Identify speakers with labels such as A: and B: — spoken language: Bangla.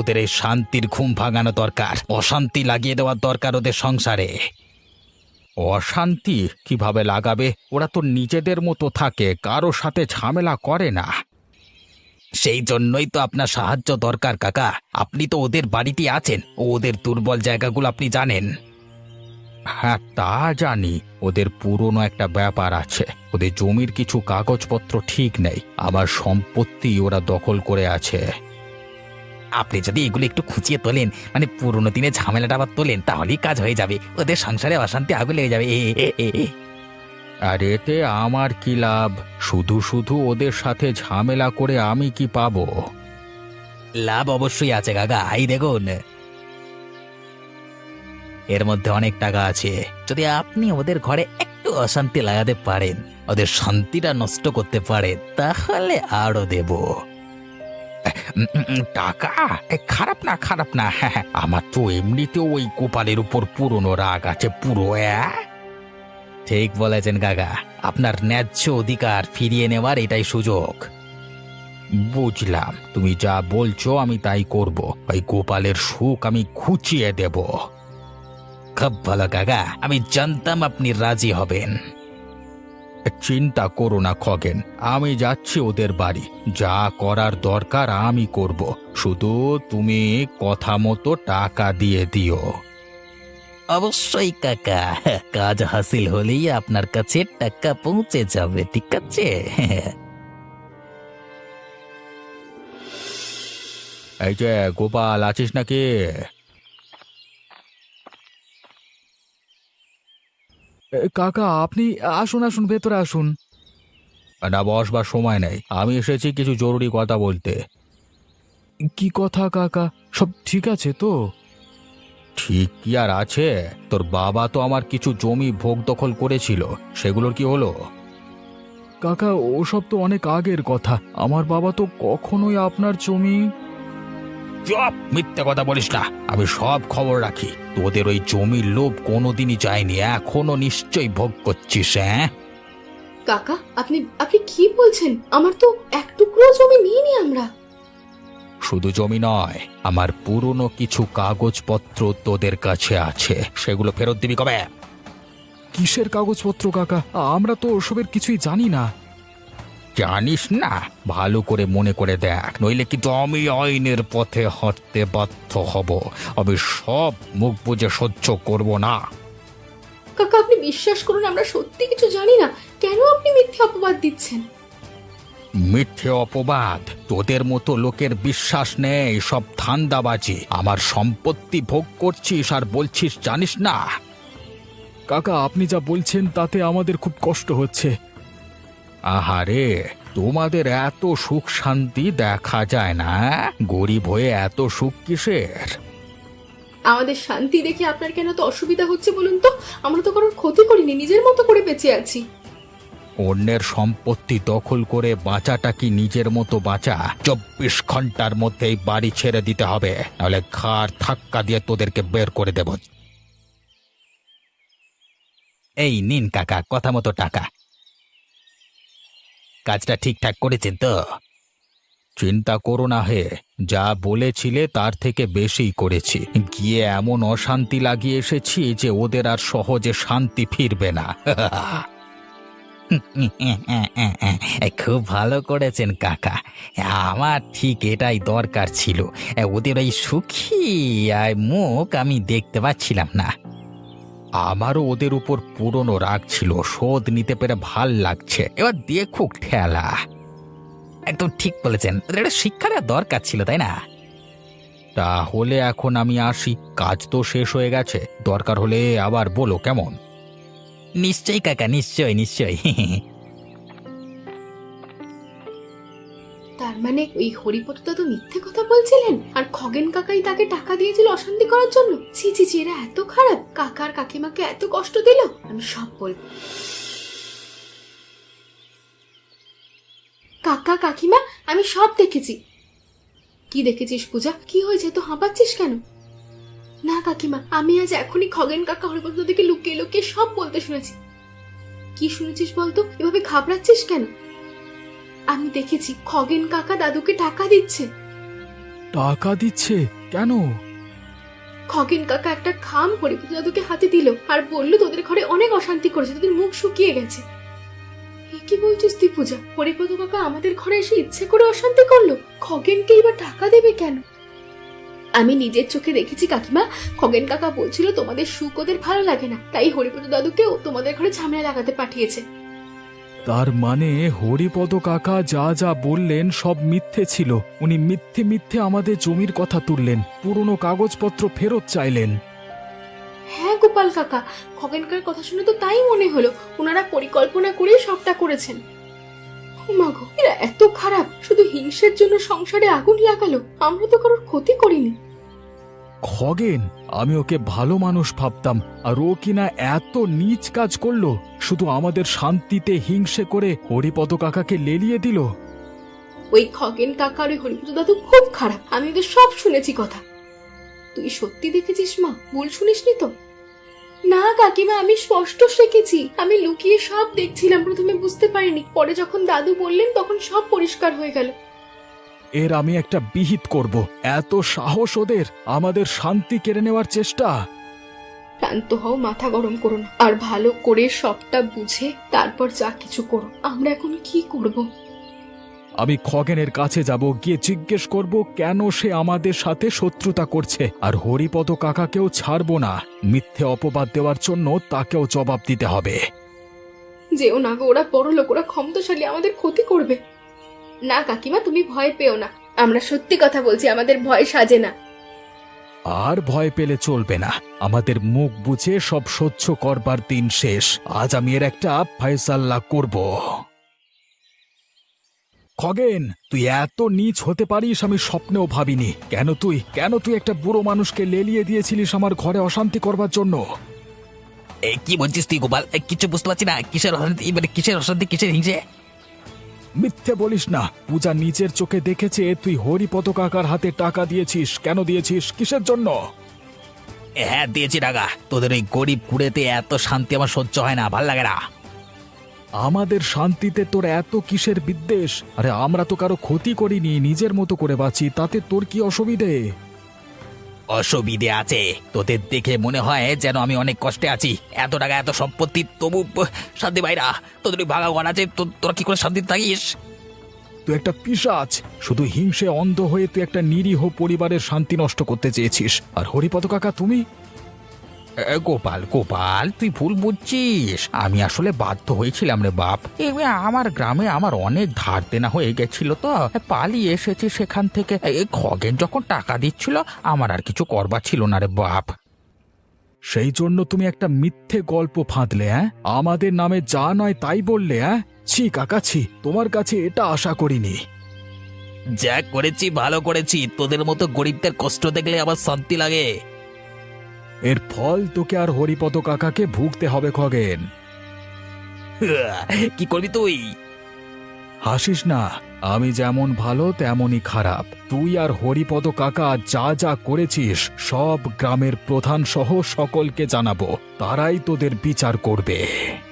A: ওদের এই শান্তির ঘুম ভাঙানো দরকার, অশান্তি লাগিয়ে দেওয়ার দরকার ওদের সংসারে। অশান্তি কিভাবে লাগাবে? ওরা তো নিজেদের মতো থাকে, কারো সাথে ঝামেলা করে না। সেই জন্যই তো আপনার সাহায্য দরকার কাকা। আপনি তো ওদের বাড়িতে আছেন, ওদের দুর্বল জায়গাগুলো আপনি জানেন। হ্যাঁ, তা জানি। ওদের পুরনো একটা ব্যাপার আছে, ওদের জমির কিছু কাগজপত্র ঠিক নেই, আমার সম্পত্তি ওরা দখল করে আছে। আপনি যদি এগুলো একটু খুঁচিয়ে তোলেন, মানে পুরনো দিনে ঝামেলাটা আবার তোলেন, তাহলেই কাজ হয়ে যাবে। ওদের সংসারে অশান্তি আগুন লেগে যাবে। আর এতে আমার কি লাভ? শুধু শুধু ওদের সাথে ঝামেলা করে আমি কি পাবো? লাভ অবশ্যই আছে কাকা, এই দেখুন, এর মধ্যে অনেক টাকা আছে। যদি আপনি ওদের ঘরে একটু অশান্তি লাগাতে পারেন, ওদের শান্তিটা নষ্ট করতে পারেন, তাহলে আরো দেব। টাকা? খারাপ না, খারাপ না। হ্যাঁ, আমার তো এমনিতেও ওই গোপালের উপর পুরনো রাগ আছে পুরো। ঠিক বলেছেন কাকা, আপনার ন্যায্য অধিকার ফিরিয়ে নেওয়ার এটাই সুযোগ। বুঝলাম, তুমি যা বলছো আমি তাই করব। ওই গোপালের সুখ আমি ঘুচিয়ে দেব। খুব ভালো কাকা, আমি জানতাম আপনি রাজি হবেন। চিন্তা করো না খগেন, আমি যাচ্ছি ওদের বাড়ি। যা করার দরকার আমি করব, শুধু তুমি কথা মতো টাকা দিয়ে দিও। অবশ্যই কাকা, কাজ হাসিল হলেই আপনার কাছে টাকা পৌঁছে যাবে, ঠিক আছে? এই যে গোপাল, আছিস নাকি?
B: কাকা, আপনি আসুন আসুন, ভেতরে আসুন।
A: না, বসবার সময় নেই, আমি এসেছি কিছু জরুরি কথা বলতে।
B: কি কথা কাকা? সব ঠিক আছে তো?
A: ঠিক কি আর আছে, তোর বাবা তো আমার কিছু জমি ভোগ দখল করেছিল, সেগুলোর কি হলো?
B: কাকা, ওসব তো অনেক আগের কথা। আমার বাবা তো কখনোই আপনার জমি...
A: চুপ, মিথ্যে কথা বলিস না, আমি সব খবর রাখি। তোদের ওই জমির লোভ কোনোদিনই যায়নি, এখনো নিশ্চয়ই ভোগ করছিস। হ্যাঁ
C: কাকা, আপনি আপনি কি বলছেন? আমার তো এক টুকরো জমি নিইনি আমরা।
A: শুধু জমি নয়, আমার পুরনো কিছু কাগজপত্র তোদের কাছে আছে, সেগুলো ফেরত দিবি কবে?
B: কিসের কাগজপত্র কাকা? আমরা তো ওসবের কিছুই জানি না।
A: জানিস না? ভালো করে মনে করে দেখ, নইলে কিন্তু আমি আইনের পথে হাঁটতে বাধ্য হব। আমি সব মুখ বুজে সহ্য করব না।
C: কাকা, আপনি বিশ্বাস করুন, আমরা সত্যি কিছু জানি না। কেন আপনি মিথ্যে অপবাদ দিচ্ছেন?
A: মিথ্যে অপবাদ? তোদের মতো লোকের বিশ্বাস নেই, সব ধান্দাবাজি। আমার সম্পত্তি ভোগ করছিস আর বলছিস জানিস না?
B: কাকা, আপনি যা বলছেন তাতে আমাদের খুব কষ্ট হচ্ছে।
A: আহারে, তোমাদের এত সুখ শান্তি দেখা যায় না? গরিব হয়ে এত সুখ কিসের?
C: আমাদের শান্তি দেখে আপনার কেন তো অসুবিধা হচ্ছে বলুন তো? আমরা তো কারোর ক্ষতি করিনি, নিজের মতো করে বেঁচে আছি।
A: অন্যের সম্পত্তি দখল করে বাঁচাটা কি নিজের মতো বাঁচা? 24 ঘন্টার মধ্যেই বাড়ি ছেড়ে দিতে হবে, নাহলে ঘাড় ধাক্কা দিয়ে তোদেরকে বের করে দেব। এই নিন কাকা, কথা মতো টাকা। কাজটা ঠিকঠাক করেছেন তো? চিন্তা করো না হে, যা বলেছিলে তার থেকে বেশিই করেছি। গিয়ে এমন অশান্তি লাগিয়ে এসেছি যে ওদের আর সহজে শান্তি ফিরবে না। খুব ভালো করেছেন কাকা, আমার ঠিক এটাই দরকার ছিল। ওদের ওই সুখী মুখ আমি দেখতে পাচ্ছিলাম না। আমারও ওদের উপর পুরনো রাগ ছিল, শোধ নিতে পেরে ভাল লাগছে। এবার দেখুক ঠেলা। একদম ঠিক বলেছেন, ওদের একটা শিক্ষার দরকার ছিল, তাই না? তাহলে এখন আমি আসি, কাজ তো শেষ হয়ে গেছে। দরকার হলে আবার বলো, কেমন? নিশ্চয়ই কাকা, নিশ্চয়ই নিশ্চয়ই।
C: তার মানে ওই হরিপদ দাদু মিথ্যে কথা বলছিলেন, আর খগেন কাকাই তাকে টাকা দিয়েছিল অশান্তি করার জন্য? ছি ছি ছি, এরা এত খারাপ, কাকার কাকিমাকে এত কষ্ট দিল। আমি সব বলবো। কাকা কাকিমা, আমি সব দেখেছি। কি দেখেছিস পূজা? কি হয়েছে, তো হাঁপাচ্ছিস কেন? না কাকিমা, আমি আজ এখনই খগেন কাকা হরিপদ দাদুকে লুকিয়ে লুকিয়ে সব বলতে শুনেছি। কি শুনেছিস বলতো? এভাবে ঘাবড়াচ্ছিস কেন? আমি দেখেছি খগেন কাকা দাদুকে টাকা দিচ্ছে।
B: টাকা দিচ্ছে? কেন?
C: খগেন কাকা একটা খাম হরিপদ দাদুকে হাতে দিল আর বলল তোদের ঘরে অনেক অশান্তি করেছে, তোদের মুখ শুকিয়ে গেছে। এ কি বলছিস তুই পূজা? হরিপদ কাকা আমাদের ঘরে এসে ইচ্ছে করে অশান্তি করলো? খগেনকে এবার টাকা দেবে কেন? আমি নিজের চোখে দেখেছি কাকিমা, খগেন কাকা বলছিল তোমাদের সুখ ওদের ভালো লাগে না, তাই হরিপদ দাদুকেও তোমাদের ঘরে ঝামেলা লাগাতে পাঠিয়েছে।
B: তার মানে হরিপদ কাকা যা যা বললেন সব মিথ্যে ছিল। উনি মিথ্যে মিথ্যে আমাদের জমির কথা তুললেন, পুরনো কাগজপত্র ফেরত চাইলেন।
C: হ্যাঁ গোপাল কাকা, খগেন কাকার কথা শুনে তো তাই মনে হলো, ওনারা পরিকল্পনা করে সবটা করেছেন। মাগো, এরা এত খারাপ, শুধু হিংসের জন্য সংসারে আগুন লাগালো। আমরা তো কারোর ক্ষতি করিনি।
B: খগেন, আমি ওকে ভালো মানুষ ভাবতাম, আর ও কিনা এত নীচ কাজ করলো, শুধু আমাদের শান্তিতে হিংসে করে হরিপদ কাকাকে লেলিয়ে দিল।
C: ওই খগেন কাকা আর ওই হরিপদ দাদু খুব খারাপ, আমি ওদের সব শুনেছি কথা। তুই সত্যি দেখেছিস মা? ভুল শুনিসনি তো? না কাকিমা, আমি স্পষ্ট দেখেছি। আমি লুকিয়ে সব দেখছিলাম, প্রথমে বুঝতে পারিনি, পরে যখন দাদু বললেন তখন সব পরিষ্কার হয়ে গেল।
B: এর আমি একটা বিহিত করব। এত সাহস ওদের, আমাদের শান্তি কেড়ে নেওয়ার চেষ্টা।
C: ক্লান্ত হও, মাথা গরম করো না, আর ভালো করে সবটা বুঝে তারপর যা কিছু করো। আমরা এখন কি করব?
B: আমি খগেনের কাছে যাব, গিয়ে জিজ্ঞেস করব কেন সে আমাদের সাথে শত্রুতা করছে, আর হরিপদ কাকাকেও ছাড়বো না। মিথ্যে অপবাদ দেওয়ার জন্য তাকেও জবাব দিতে হবে।
C: যেও না গো, ওরা বড় লোক, ওরা ক্ষমতাশালী, আমাদের ক্ষতি করবে। না কাকিমা, তুমি ভয় পেও না, আমরা সত্যি কথা বলছি, আমাদের ভয় সাজে না।
B: আর ভয় পেলে চলবে না, আমাদের মুখ বুঝে সব সহ্য করবার দিন শেষ। আজ আমি এর একটা ফয়সাল্লা করব। খগেন, তুই এত নীচ হতে পারিস আমি স্বপ্নেও ভাবিনি। কেন তুই একটা বুড়ো মানুষকে লেলিয়ে দিয়েছিলিস আমার ঘরে অশান্তি করবার জন্য?
A: কি বলছিস তুই গোপাল? কিছু বুঝতে পারছি না, কিসের অশান্তি, মানে কিসের অশান্তি, কিসের হিংসে?
B: মিথ্যে বলিস না, পূজা নিজের চোখে দেখেছে তুই হরিপদ কাকার হাতে টাকা দিয়েছিস। কেন দিয়েছিস, কিসের জন্য?
A: হ্যাঁ দিয়েছি টাকা। তোদের ওই গরিব কুড়েতে এত শান্তি আমার সহ্য হয় না, ভাল লাগে না।
B: আমাদের শান্তিতে তোর এত কিসের বিদ্বেষ? আরে আমরা তো কারো ক্ষতি করিনি, নিজের মতো করে বাঁচি, তাতে তোর কি অসুবিধে?
A: অসুবিধে আছে, তোদের দেখে মনে হয় যেন আমি অনেক কষ্টে আছি। এত টাকা, এত সম্পত্তি, তবু শান্তি বাইরা। তোদের ওই ভাগা ঘর আছে, তোরা কি করে শান্তিতে থাকিস?
B: তুই একটা পিশাচ, শুধু হিংসে অন্ধ হয়ে তুই একটা নিরীহ পরিবারের শান্তি নষ্ট করতে চেয়েছিস। আর হরিপদ কাকা তুমি?
A: গোপাল গোপাল, তুই ভুল বুঝছিস। আমি আসলে বাধ্য হয়েছিলাম রে বাপ। আমার গ্রামে আমার অনেক ধার দেনা হয়ে গেছিল, তো পালিয়ে এসেছি সেখান থেকে। খগেন যখন টাকা দিচ্ছিল, আমার আর কিছু করবার ছিল না রে বাপ।
B: সেই জন্য তুমি একটা মিথ্যে গল্প ফাঁদলে, হ্যাঁ? আমাদের নামে যা নয় তাই বললে, হ্যাঁ? ছি কাকা ছি, তোমার কাছে এটা আশা করিনি।
A: যা করেছি ভালো করেছি, তোদের মতো গরিবদের কষ্ট দেখলে আমার শান্তি লাগে।
B: এর ফল তোকে আর হরিপদ কাকাকে ভুগতে হবে খগেন।
A: কি করবি তুই?
B: হাসিস না, আমি যেমন ভালো তেমনই খারাপ। তুই আর হরিপদ কাকা যা যা করেছিস সব গ্রামের প্রধান সহ সকলকে জানাবো, তারাই তোদের বিচার করবে।